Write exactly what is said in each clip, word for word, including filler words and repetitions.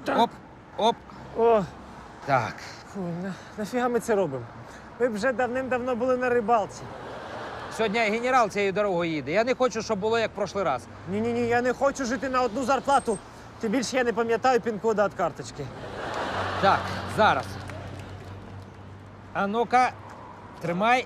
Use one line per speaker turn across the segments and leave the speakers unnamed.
Оп, оп.
О,
Так.
фу, на, нафіга ми це робимо? Ми б вже давним-давно були на рибалці.
Сьогодні генерал цією дорогою їде. Я не хочу, щоб було як в прошлий раз.
Ні-ні-ні, я не хочу жити на одну зарплату. Тим більше я не пам'ятаю пін-кода від карточки.
Так, зараз. А ну-ка, тримай.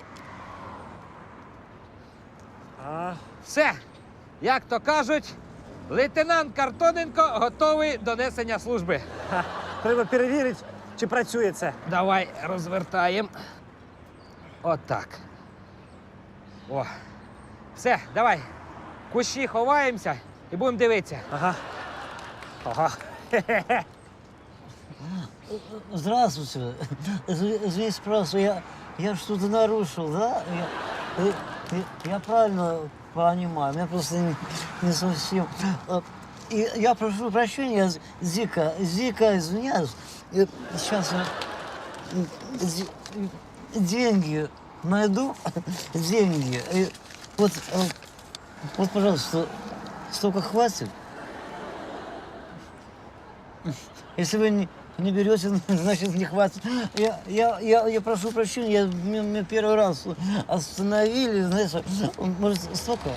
А,
Все. Як то кажуть, лейтенант Картоненко готовий до несення служби.
ха, треба перевірити, чи працює це.
Давай розвертаємо. Отак. О. Все, давай. В кущі ховаємося і будемо дивитися.
Ага. Ага. Хе-хе-хе.
Здравствуйте. Изв- Извините, пожалуйста, я, я что-то нарушил, да? Я, э, э, я правильно понимаю, меня просто не, не совсем... э, И я прошу прощения, З- Зика, Зика, извиняюсь. Э, Сейчас я м, де- деньги найду, деньги. И вот, э, вот, пожалуйста, столько хватит. Если вы не, не берете, значит, не хватит. Я, я, я, я прошу прощения, я, меня, меня первый раз остановили, знаете, может, столько?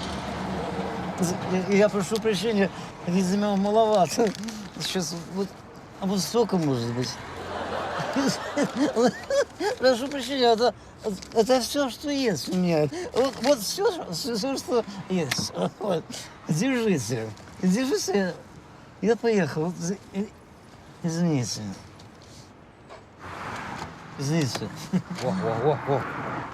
Я, я прошу прощения, видимо, маловато. Сейчас вот, а вот столько, может быть. Прошу прощения, это, это все, что есть у меня. Вот, вот все, все, все, что есть. Вот. Держите, держите. Я поехал. И- Извините. Извините.
О, о, о, о.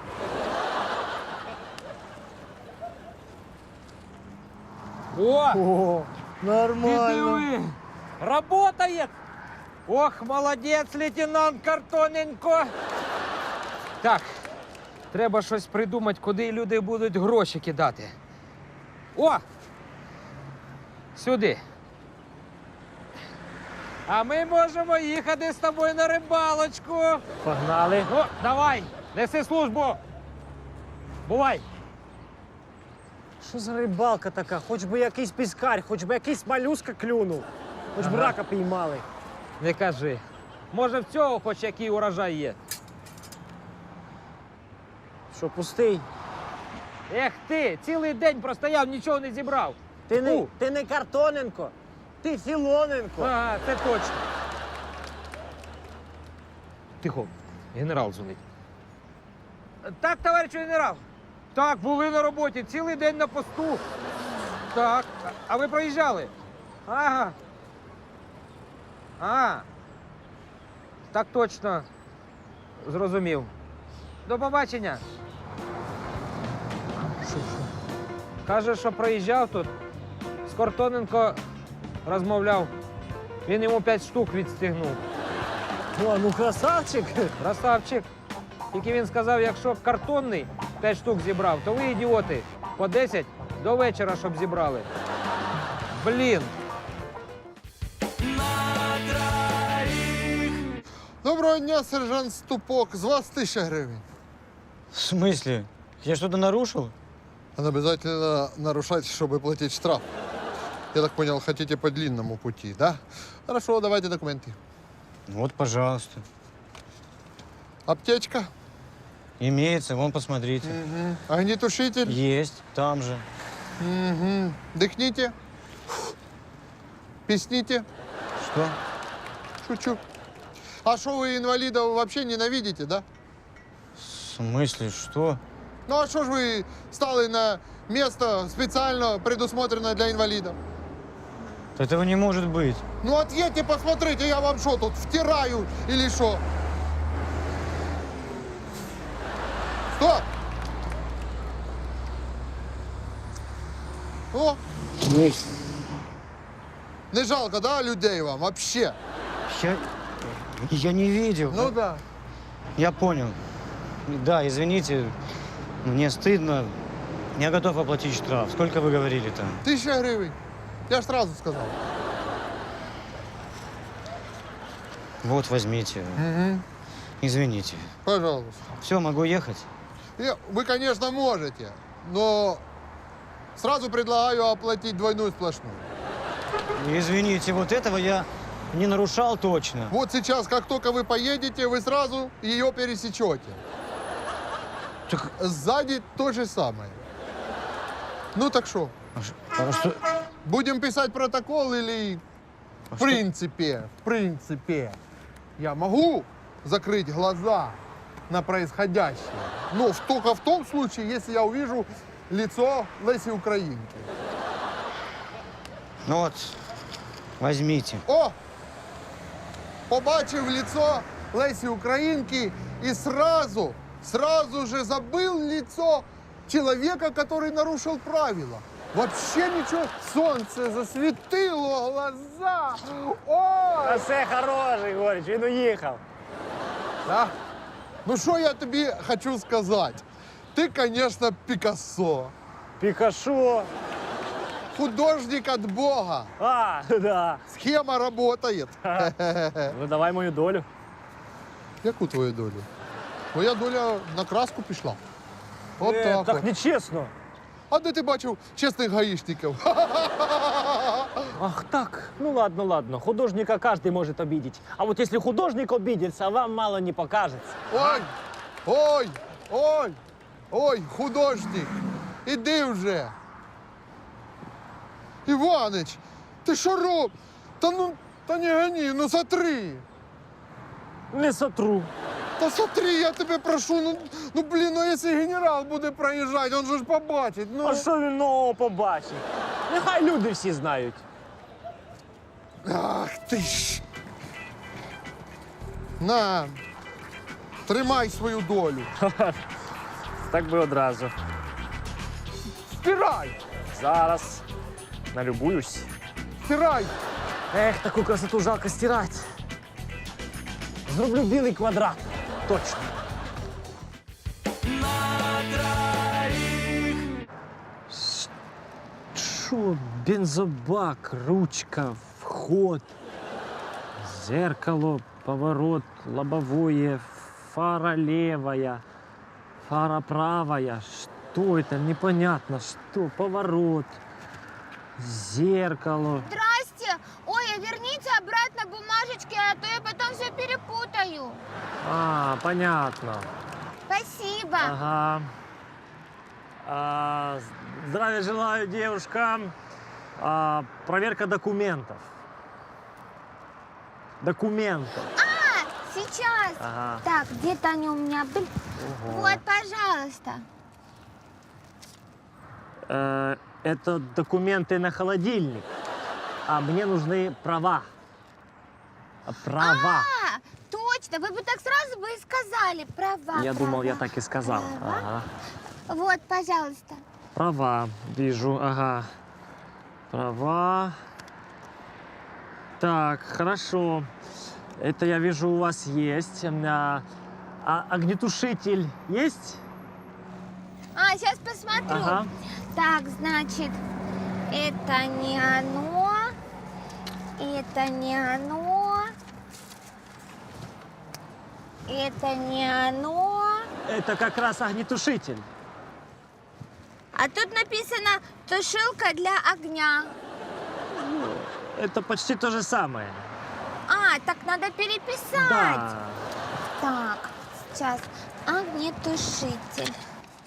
О!
О,
Ти
нормально.
диви! Работає! Ох, молодець, лейтенант Картоненко! Так, треба щось придумати, куди люди будуть гроші кидати. О! Сюди. А ми можемо їхати з тобою на рибалочку.
Погнали.
Ну, давай, неси службу. Бувай.
Що за рибалка така? Хоч би якийсь піскар, хоч би якийсь малюска клюнув. Хоч б
Ага.
рака піймали.
Не кажи. Може, в цього хоч який урожай є.
Що, пустий?
Ех ти, цілий день простояв, нічого не зібрав.
Ти не,
Фу.
ти не Картоненко, ти Філоненко.
Ага, це точно. Тихо, генерал дзвонить. Так, товариш генерал. Так, були на роботі, цілий день на посту. Так, а- а ви проїжджали? Ага. А. Так точно. Зрозумів. До побачення. Каже, що проїжджав тут. З Картоненко розмовляв. Він йому п'ять штук відстігнув.
О, ну красавчик.
Красавчик. Тільки він сказав, якщо картонний п'ять штук зібрав, то ви ідіоти. По десять до вечора, щоб зібрали. Блін.
Доброго дня, сержант Ступок. З вас тисяча гривень.
В смысле? Я что-то нарушил?
Надо обязательно нарушать, чтобы платить штраф. Я так понял, хотите по длинному пути, да? Хорошо, давайте документы.
Вот, пожалуйста.
Аптечка,
Имеется, вон, посмотрите.
угу. Огнетушитель,
Есть, там же.
угу. Дыхните, песните.
Что?
Шучу. А что, вы инвалидов вообще ненавидите, да?
В смысле, что?
Ну а что ж вы стали на место специально предусмотренное для инвалидов?
Этого не может быть.
Ну отъедьте, посмотрите, я вам что тут, втираю или что? Стоп! О, не жалко, да, людей вам вообще?
Я, я не видел.
Ну да.
Я понял. Да, извините, мне стыдно. Я готов оплатить штраф. Сколько вы говорили там?
Тысяча гривен. Я ж сразу сказал.
Вот, возьмите.
Угу.
Извините.
Пожалуйста.
Все, могу ехать?
И вы, конечно, можете, но сразу предлагаю оплатить двойную сплошную.
Извините, вот этого я
Не нарушал точно.
Вот сейчас, как только вы поедете, вы сразу ее пересечете.
Так,
Сзади то же самое. Ну так что,
а что?
будем писать протокол или... В принципе, в принципе, я могу закрыть глаза на происходящее, но в- только в том случае, если я увижу лицо Леси Украинки.
Ну вот, возьмите.
О! Побачив лицо Лесі Українки и сразу, сразу же забыл лицо человека, который нарушил правила. Вообще ничего, солнце засветило глаза. Ой!
А все хороший, Горич, він уїхав.
Да? Ну что я тебе хочу сказать? Ты, конечно, Пикассо.
Пікашо.
Художник от Бога.
А, да.
Схема работает.
Ну давай мою долю.
Яку твою долю? Моя доля на краску пішла. От
Е,
так.
так
от.
нечесно.
А де ти бачив чесних гаїшників?
Ах так, ну ладно, ладно. Художника каждый может обидеть. А вот если художник обидится, вам мало не покажется.
Ой, ой, ой, ой, художник, іди вже. Іванич, ти що роб? Та ну, та не гони, ну сотри.
Не сотру.
Та сотри, я тебе прошу, ну, ну блін, ну якщо генерал буде проїжджати, він же ж побачить, ну.
А що він нового побачить? Нехай люди всі знають.
Ах ти ж. На, тримай свою долю.
Так би одразу.
Стирай,
Зараз налюбуюсь.
стирай.
Ех, таку красоту жалко стирати. Зроблю білий квадрат. Точно. Що? Бензобак, ручка, вход, зеркало, поворот, лобовое, фара левая, фара правая. Что это? Непонятно. Что? Поворот, зеркало.
Здрасте! Ой, а верните обратно бумажечки, а то я потом все перепутаю.
А, понятно.
Спасибо.
Ага. А, здравия желаю, девушка. А, проверка документов. Документов.
А, сейчас.
Ага.
Так, где-то они у меня были.
Ого.
Вот, пожалуйста.
Э, это документы на холодильник. А мне нужны права. А, Права.
А, точно, вы бы так сразу бы и сказали. Права.
Я думал, я
права.
так и сказал.
Права.
Ага.
Вот, пожалуйста.
Права, вижу, ага. Права. Так, хорошо. Это я вижу у вас есть. А, а огнетушитель есть?
А, сейчас посмотрю.
Ага.
Так, значит, это не оно. Это не оно. Это не оно.
Это как раз огнетушитель.
А тут написано «тушилка для огня».
Это почти то же самое.
А, так надо переписать.
Да.
Так, сейчас. Огнетушитель.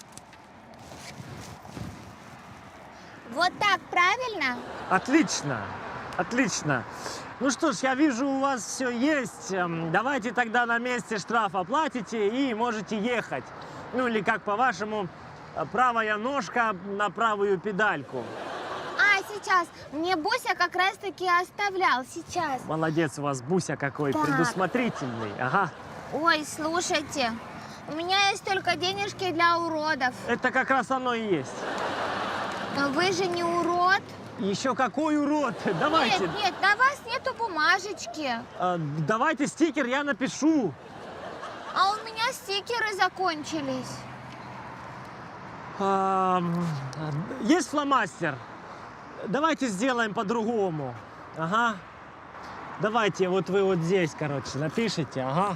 Вот так, правильно?
Отлично. Отлично. Ну что ж, я вижу, у вас все есть. Эм, Давайте тогда на месте штраф оплатите и можете ехать. Ну или как по-вашему, э, правая ножка на правую педальку.
А, сейчас. Мне Буся как раз-таки оставлял. Сейчас.
Молодец у вас, Буся какой,
Так.
предусмотрительный. Ага.
Ой, слушайте. У меня есть только денежки для уродов.
Это как раз оно и есть.
Но вы же не урод.
Еще какой урод. Давайте,
Нет, нет, на вас нету бумажечки.
э, давайте стикер я напишу.
А у меня стикеры закончились.
Ам, Есть фломастер? Давайте сделаем по-другому. Ага. Давайте, вот вы вот здесь, короче, напишите, ага.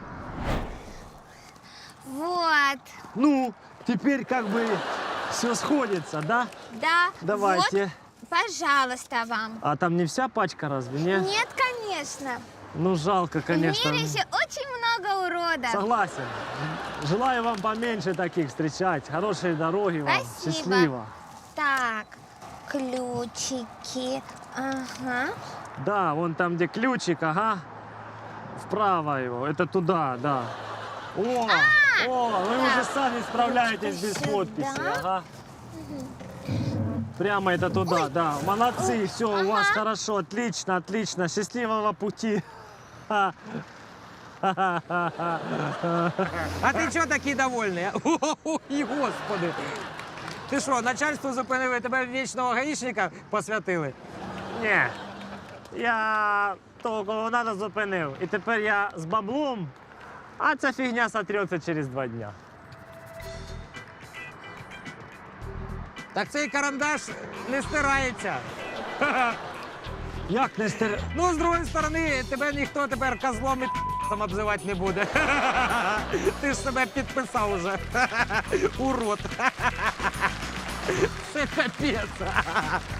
Вот.
Ну, теперь как бы все сходится, да?
Да.
Давайте.
Вот. пожалуйста, вам.
А там не вся пачка разве, не?
Нет, конечно.
Ну, жалко, конечно.
В мире еще очень много уродов.
Согласен. Желаю вам поменьше таких встречать. Хорошей дороги вам.
Спасибо.
Счастливо.
Так, ключики. Ага.
Да, вон там, где ключик, ага. Вправо его. Это туда, да. О, о, вы
Так.
уже сами справляетесь без
Сюда.
подписи. Ага. Прямо это туда, да. Молодцы, все, у вас
Ага.
хорошо, отлично, отлично. Счастливого пути. Ха.
А ти чого такий довольний? а? Ой, господи. Ти що, начальство зупинили, тебе в вічного гаїшника посвятили?
Ні. Я того, кого надо, зупинив. І тепер я з баблом, а ця фігня сотрется через два дня.
Так цей карандаш не стирається.
Як не стер...
Ну, з другої сторони, тебе ніхто тепер козлом і сам обзивати не буде. Ти ж себе підписав уже. Урод. Це капець.